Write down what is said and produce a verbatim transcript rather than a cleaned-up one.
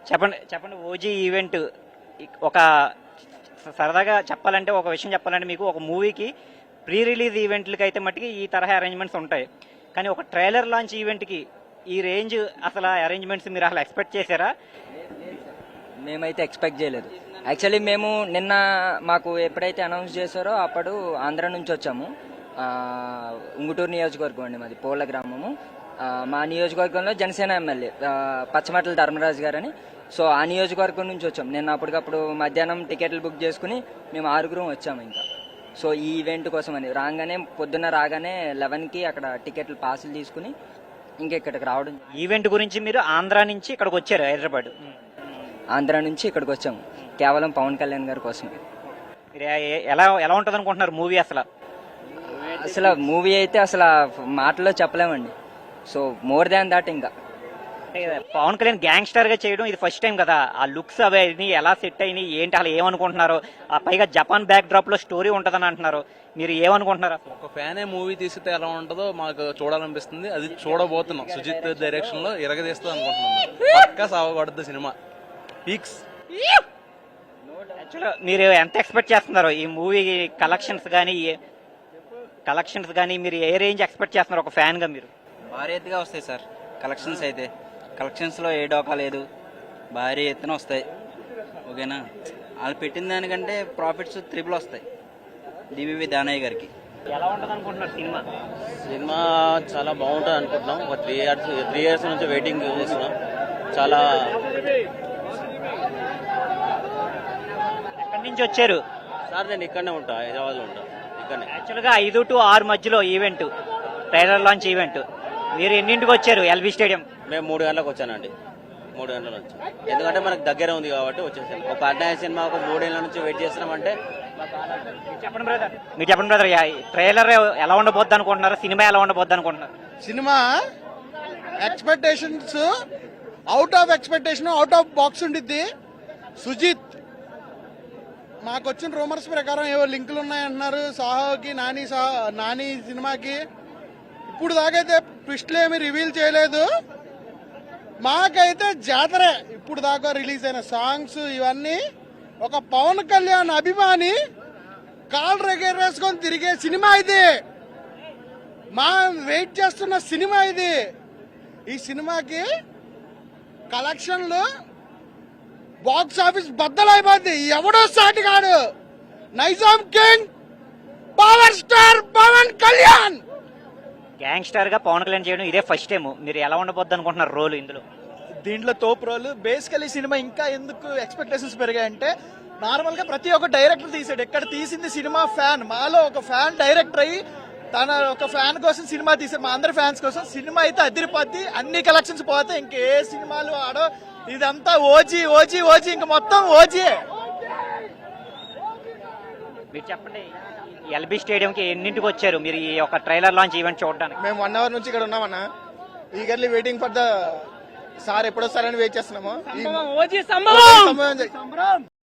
చెప్పండి చెప్పండి OG event ఒక సరదాగా చెప్పాలంటే ఒక విషయం చెప్పాలంటే మీకు ఒక మూవీకి ప్రీ రిలీజ్ ఈవెంట్లకి అయితే మట్టుకి ఈ తరహా అరేంజ్మెంట్స్ ఉంటాయి, కానీ ఒక ట్రైలర్ లాంచ్ ఈవెంట్కి ఈ రేంజ్ అసలు అరేంజ్మెంట్స్ మీరు అసలు ఎక్స్పెక్ట్ చేశారా? మేమైతే ఎక్స్పెక్ట్ చేయలేదు. యాక్చువల్లీ మేము నిన్న మాకు ఎప్పుడైతే అనౌన్స్ చేశారో అప్పుడు ఆంధ్ర నుంచి వచ్చాము. ఉంగుటూరు నియోజకవర్గం అండి మాది, పోల గ్రామము. మా నియోజకవర్గంలో జనసేన ఎమ్మెల్యే పచ్చమట్ల ధర్మరాజు గారని, సో ఆ నియోజకవర్గం నుంచి వచ్చాం. నేను అప్పటికప్పుడు మధ్యాహ్నం టికెట్లు బుక్ చేసుకుని మేము ఆరుగురం వచ్చాము. ఇంకా సో ఈ ఈవెంట్ కోసం అని రాగానే పొద్దున్న రాగానే లెవెన్కి అక్కడ టికెట్లు పాసులు తీసుకుని ఇంకా ఇక్కడికి రావడం. ఈవెంట్ గురించి మీరు ఆంధ్ర నుంచి ఇక్కడికి వచ్చారు, హైదరాబాద్ ఆంధ్ర నుంచి ఇక్కడికి వచ్చాము కేవలం పవన్ కళ్యాణ్ గారి కోసం. మీరు ఎలా ఎలా ఉంటుంది అనుకుంటున్నారు మూవీ? అసలు అసలు మూవీ అయితే అసలు మాటల్లో చెప్పలేమండి. సో మోర్ దాన్ దాట్ ఇంకా పవన్ కళ్యాణ్ గ్యాంగ్స్టర్ గా చేయడం ఇది ఫస్ట్ టైం కదా. ఆ లుక్స్ అవి ఎలా సెట్ అయినాయి ఏంటి, అసలు ఏమనుకుంటున్నారు? ఆ పైగా జపాన్ బ్యాక్ డ్రాప్ లో స్టోరీ ఉంటదని అంటున్నారు, మీరు ఏమనుకుంటున్నారు? ఒక ఫ్యానే మూవీ తీస్తే ఎలా ఉంటుందో మాకు చూడాలనిపిస్తుంది. అది చూడబోతున్నాం. సుజిత్ డైరెక్షన్ లో ఇరగదీస్తుంది అనుకుంటున్నాం. పక్కా సాగబడుద్ది సినిమా. పీక్స్. యాక్చువల్గా మీరు ఎంత ఎక్స్పెక్ట్ చేస్తున్నారు ఈ మూవీ కలెక్షన్స్ కానీ కలెక్షన్స్ కానీ మీరు ఏ రేంజ్ ఎక్స్పెక్ట్ చేస్తున్నారు ఒక ఫ్యాన్ గా? మీరు భారీ ఎత్తుగా వస్తాయి సార్ కలెక్షన్స్. అయితే కలెక్షన్స్ లో ఏ డోకా లేదు, భారీ ఎత్తున వస్తాయి. ఓకేనా, వాళ్ళు పెట్టిన దానికంటే ప్రాఫిట్స్ త్రిబుల్ వస్తాయి డివివి దానయ్య గారికి. ఎలా ఉంటుంది అనుకుంటున్నారు సినిమా? సినిమా చాలా బాగుంటుంది అనుకుంటున్నాం. ఒక త్రీ ఇయర్స్ త్రీ ఇయర్స్ నుంచి వెయిటింగ్ చేస్తున్నాం. చాలా ఎక్కడి నుంచి వచ్చారు సార్? నేను ఇక్కడనే ఉంటా, హైదరాబాద్లో ఉంటా. ఇక్కడనే యాక్చువల్గా ఐదు టు ఆరు మధ్యలో ఈవెంట్, ట్రైలర్ లాంచ్ ఈవెంట్. మీరు ఎన్నింటికి వచ్చారు ఎల్బీ స్టేడియం? మేము మూడు గంటలకు వచ్చానండి. మూడు గంటల నుంచి, ఎందుకంటే మనకు దగ్గర ఉంది కాబట్టి వచ్చేసాను. ఒక అన్నయ్య సినిమా ఒక మూడేళ్ల నుంచి వెయిట్ చేస్తున్నామంటే. చెప్పండి బ్రదర్, మీరు చెప్పండి బ్రదర్, ట్రైలర్ ఎలా ఉండబోద్ది అనుకుంటున్నారు? సినిమా ఎలా ఉండబోద్ది అనుకుంటున్నారు? సినిమా expectations out of expectation, out of box ఉండిద్ది. సుజిత్ మాకు వచ్చిన రూమర్స్ ప్రకారం ఏవో లింకులు ఉన్నాయంటున్నారు సాహోకి, నాని సాహో నాని సినిమాకి. ఇప్పుడు దాకైతే ట్విస్ట్లు ఏమి రివీల్ చేయలేదు. మాకైతే జాతరే. ఇప్పుడు దాకా రిలీజ్ అయిన సాంగ్స్ ఇవన్నీ ఒక పవన్ కళ్యాణ్ అభిమాని కాల్ రెగేరేసుకొని తిరిగే సినిమా ఇది. మా వెయిట్ చేస్తున్న సినిమా ఇది. ఈ సినిమాకి కలెక్షన్లు బాక్స్ ఆఫీస్ బద్దలైపోద్ది. ఎవడో సాటి కాడు. Nizam king power star Pawan Kalyan gangster గా పవన్ కళ్యాణ్ చేయడం ఇదే ఫస్ట్ టైం. మీరు ఎలా ఉండబోద్ది అనుకుంటున్నారు రోల్ ఇందులో? దీంట్లో తోపు రోల్. బేసికలీ సినిమా ఇంకా ఎందుకు ఎక్స్పెక్టేషన్స్ పెరిగాయంటే, నార్మల్ గా ప్రతి ఒక్క డైరెక్టర్ తీసాడు. ఎక్కడ తీసింది సినిమా ఫ్యాన్. మాలో ఒక ఫ్యాన్ డైరెక్టర్ అయ్యి తన ఒక ఫ్యాన్ కోసం సినిమా తీసాడు. మా అందరి ఫ్యాన్స్ కోసం సినిమా అయితే అదిరిపోద్ది. అన్ని కలెక్షన్స్ పోతే ఇంకే సినిమాలు ఆడో. ఇదంతా ఓజీ ఓజీ ఓజీ ఇంకా మొత్తం ఓజీ. మీరు చెప్పండి, ఎల్బీ స్టేడియం కి ఎన్నింటికి వచ్చారు మీరు ఈ ఒక ట్రైలర్ లాంచ్ ఈవెంట్ చూడడానికి? మేము వన్ అవర్ నుంచి ఇక్కడ ఉన్నామన్నా. Eagerly waiting for the sir ఎప్పుడు వస్తారని వెయిట్ చేస్తున్నాము.